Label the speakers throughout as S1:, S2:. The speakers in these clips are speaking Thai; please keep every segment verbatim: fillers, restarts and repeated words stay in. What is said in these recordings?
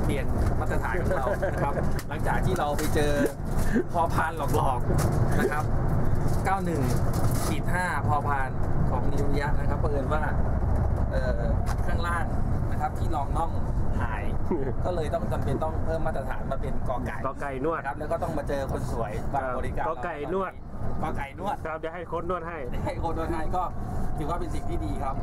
S1: เปลี่ยนมาตรฐานของเรานะครับหลังจากที่เราไปเจอพอพานหลอกๆนะครับเก้าสิบเอ็ดขีดห้าพอพานของนิวยะนะครับเผอิญว่าข้างล่างนะครับที่รองน่องหายก็เลยต้องจำเป็นต้องเพิ่มมาตรฐานมาเป็นกอไก่
S2: กอไก่นวด
S1: ครับแล้วก็ต้องมาเจอคนสวยบางบริการ
S2: กอไก่นวด
S1: กอไก่นวด
S2: ครับจะให้โค้ชนวดให้
S1: ให้โค้ชนวดให้ก็ถือว่าเป็นสิ่งที่ดีครับ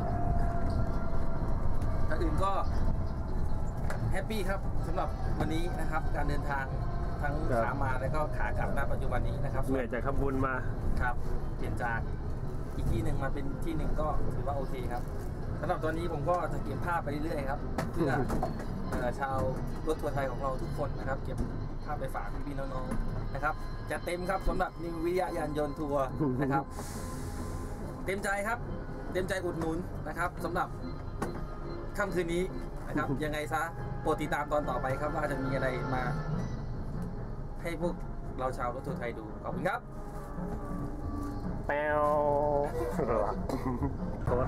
S1: ถ้าอื่นก็แฮปปี้ครับสำหรับวันนี้นะครับการเดินทางทั้งขามาแล้วก็ขากลับณปัจจุบันนี้นะครับ
S2: เหนื่อยจากขบุญมา
S1: ครับเปลี่ยนจากอีกที่หนึ่งมาเป็นที่หนึ่งก็ถือว่าโอเคครับสำหรับตัวนี้ผมก็จะเก็บภาพไปเรื่อยๆครับเพื่อชาวรถทัวร์ไทยของเราทุกคนนะครับเก็บภาพไปฝากพี่ๆน้องๆนะครับจะเต็มครับสำหรับนิววิทยายานยนต์ทัวร์นะครับเต็มใจครับเต็มใจอุดหนุนนะครับสำหรับค่ำคืนนี้นะครับยังไงซะโปรดติดตามตอนต่อไปครับว่าจะมีอะไรมาให้พวกเราชาวรถทัวร์ไทยดูขอบคุณครับ
S2: แปวโค้ช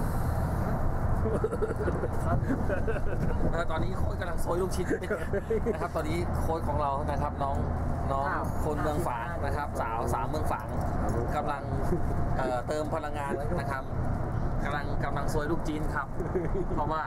S1: ตอนนี้โค้ชกำลังโซยลูกชิ้นนะครับตอนนี้โค้ชของเรานะครับน้องน้องคนเมืองฝางนะครับสาวสาวเมืองฝางกำลังเติมพลังงานนะครับกำลังกำลังโซยลูกจีนครับเพราะว่า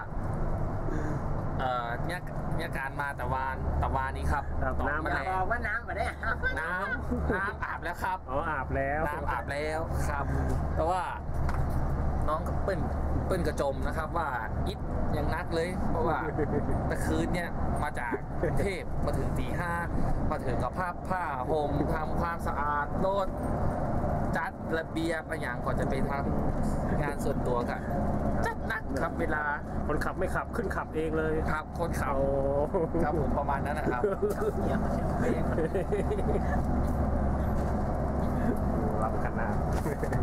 S1: เนี่ยเนี่ยการมาแต่วานแต่วานนี้ครับ
S2: น้ำ
S3: บอกว่าน้ำมาได้
S1: น้ำน้ำอาบแล้วครับ
S2: อ๋ออาบแล้ว
S1: น้ำอาบแล้วครับแต่ว่าน้องก็เปิ้ลเปิ้ลกระจมนะครับว่าอิดยังนักเลยเพราะว่าตะคืนเนี่ยมาจากกรุงเทพมาถึงตีห้ามาถึงกับผ้าผ้าห่มทำความสะอาดรถจัดระเบียบอะไรอย่างก่อนจะไปทำงานส่วนตัวกันจัดนักครับเวลา
S2: คนขับไม่ขับขึ้นขับเองเลย
S1: ครับคนขับครับผมประมาณนั้นนะครับเยี่ยมเยี่ยม
S2: รับกันนะ